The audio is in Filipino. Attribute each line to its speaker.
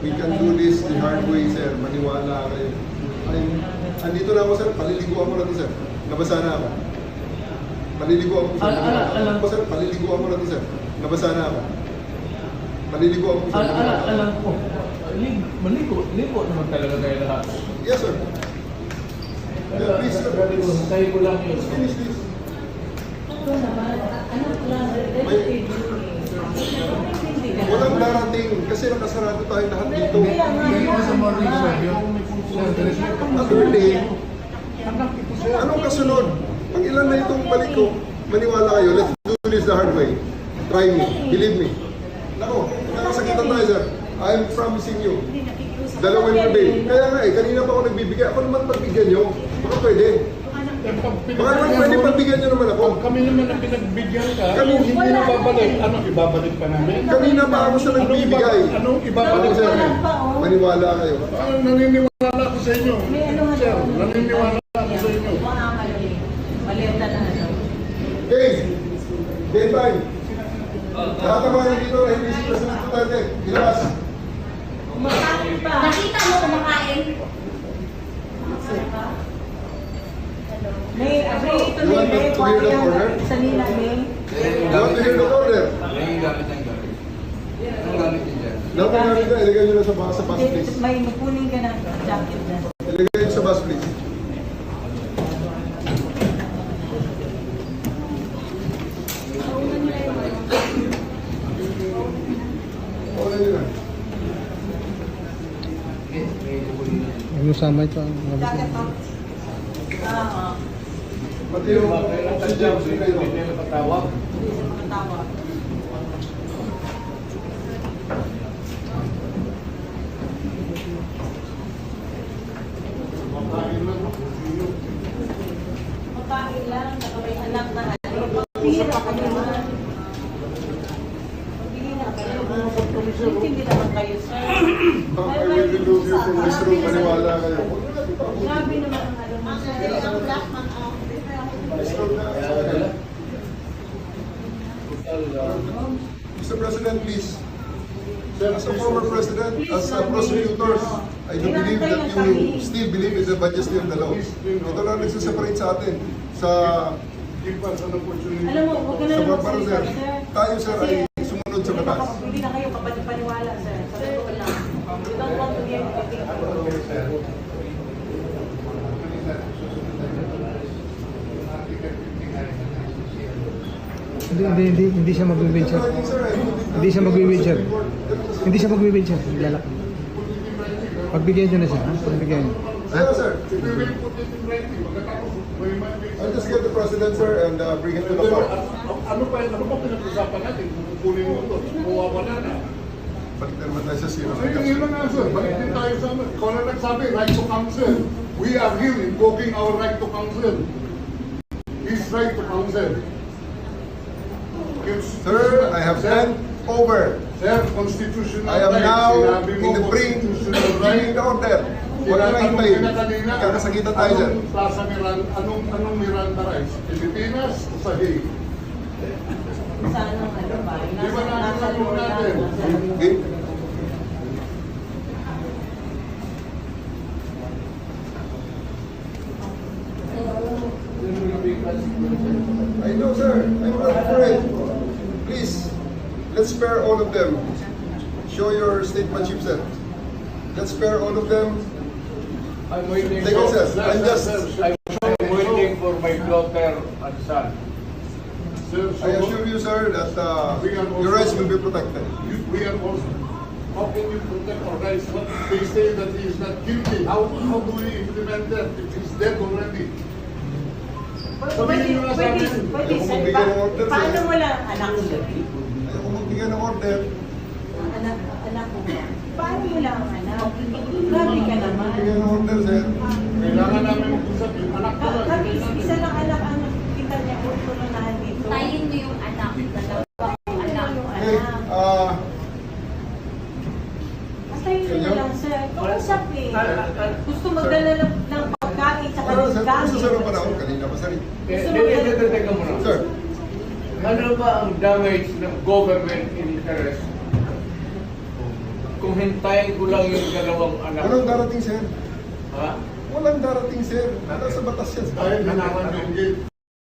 Speaker 1: We can do this the hard way, sir. Maniwala kayo. Andito na ako, sir. Paliliguan ko na to, sir. Nabasa na ako. Paliliguan ko, sir. Alam ko, sir. Paliliguan ko na to, sir. Nabasa na ako. Paliliguan ko, sir.
Speaker 2: Alam ko. Maligo naman talaga tayo lahat.
Speaker 1: Yes, sir. Yeah, please, sir.
Speaker 2: Tayo ko lang yun.
Speaker 1: Finish this. Walang darating kasi nakasarado tayo lahat dito. Attorney, anong kasunod? Pag ilan na itong balik ko, maniwala kayo, let's do this the hard way. Try me, believe me. Nako, nakasakitan tayo, sir. I'm promising you. Dalawin mo din. Kaya nga kanina pa ako nagbibigay. Ako naman pagbigyan nyo. Baka pwede. Baka naman pwede pagbigyan nyo naman ako.
Speaker 2: Kami naman ang pinagbigyan ka, hindi na babalik. Ano, ibabalik pa namin?
Speaker 1: Kanina pa ako sa nagbibigay.
Speaker 2: Anong ibabalik
Speaker 1: Sir,
Speaker 2: pa namin?
Speaker 1: maniwala kayo.
Speaker 2: Naniniwala ako sa inyo. Sir, naniniwala ako sa inyo.
Speaker 3: Maleta na ano.
Speaker 1: Okay, day time. Lahat ng mga dito na hindi si President Duterte, ilabas.
Speaker 3: Kumakain pa.
Speaker 4: Nakita mo kumakain?
Speaker 3: May agree to me, may kwento yung sa nila, may.
Speaker 1: You want to hear the order?
Speaker 5: Yung gamit ng gamit. Anong gamit niyo dyan?
Speaker 1: Lahat ng gamit na, ilagay nyo na sa bus, please.
Speaker 3: May kunin ka na jacket na.
Speaker 1: Ilagay nyo sa bus, please. Order nyo na.
Speaker 6: Ano sama ito?
Speaker 3: Jacket pa. Oo.
Speaker 1: Pati yung oxygen, ilagay nyo.
Speaker 3: Hindi siya makatawa. Makain lang, saka may anak na ano. Pagbili na kayo naman. Pagbili na kayo. Hindi naman kayo, sir.
Speaker 1: I will remove you from this room, maniwala kayo.
Speaker 3: Grabe naman ang ano mo, sir.
Speaker 1: Mr. President, please. As a former president, as a prosecutor, I do believe that you still believe in the majesty of the law. Ito lang nagsaseparate sa atin. Sa
Speaker 3: Alam mo, huwag ka na
Speaker 1: sa
Speaker 3: lang
Speaker 1: barbaro, sir.
Speaker 3: magsalita, sir.
Speaker 1: Tayo, sir, ay sumunod sa batas.
Speaker 3: Hindi na kayo paniwala, sir. Sa totoo lang. You don't want to get anything.
Speaker 6: Hindi siya mag-wheelchair. Hindi siya mag-wheelchair. Hindi siya mag-wheelchair. Lalaki. Pagbigyan nyo na siya. Pagbigyan nyo.
Speaker 1: Sir, sir. I'll just get the president, sir, and bring him to the court.
Speaker 2: Ano pa pinag-usapan natin? Kukunin mo ito, mawawala na.
Speaker 1: Balik na naman tayo sa zero.
Speaker 2: Yun na nga, sir. Balik din tayo sa amin. Ikaw na nagsabi, right to counsel. We are here invoking our right to counsel. His right to counsel.
Speaker 1: Sir, I have sent over.
Speaker 2: Sir, constitutional
Speaker 1: I am
Speaker 2: right.
Speaker 1: now
Speaker 2: Sinabi mo,
Speaker 1: in the bring
Speaker 2: constitutional
Speaker 1: the order. Huwag na lang hintayin. Kakasakitan tayo dyan.
Speaker 2: Anong Miranda rights? Pilipinas o sa Hague?
Speaker 3: Sana ano ba?
Speaker 2: Di ba
Speaker 3: Nasa
Speaker 2: natin
Speaker 3: lugar
Speaker 2: natin?
Speaker 1: Okay? I know, sir. I'm not afraid. Please, let's spare all of them. Show your statemanship, sir. Let's spare all of them.
Speaker 5: I'm waiting
Speaker 1: Take it, sir.
Speaker 5: I'm waiting for my daughter and son.
Speaker 2: Sir,
Speaker 1: I assure you, sir, that your rights will be protected.
Speaker 2: we are also. How can you protect our rights? They say that he is not guilty. How do we implement that if he's dead already? Sabihin nyo na sa amin.
Speaker 3: Pwede,
Speaker 1: Ayaw ko
Speaker 3: sir.
Speaker 1: magbigay ng order,
Speaker 3: Paano
Speaker 1: sir.
Speaker 3: mo lang anak mo?
Speaker 1: Ayaw ko magbigay ng order.
Speaker 3: Anak mo ba? Paano mo lang ang anak? Grabe ka naman.
Speaker 1: Magbigay ng order, sir.
Speaker 2: Kailangan namin mag-usap yung anak ko lang.
Speaker 3: Kami, isa lang anak ang kita niya kung turunahan dito.
Speaker 4: Tayin mo yung anak. Dalawang anak.
Speaker 1: Okay,
Speaker 3: Basta yun na lang, sir. Kausap eh. Gusto magdala ng pagkain sa
Speaker 1: ano, sir?
Speaker 3: gamit.
Speaker 1: Gusto, sir, ang panahon kanina pa, sir.
Speaker 5: Teka muna.
Speaker 1: Sir,
Speaker 5: Ano ba ang damage ng government interest kung hintayin ko lang yung dalawang anak.
Speaker 1: Walang darating, sir.
Speaker 5: Ha?
Speaker 1: Walang darating, sir. Nasa batas yan.
Speaker 2: Dahil hinawan yung gate.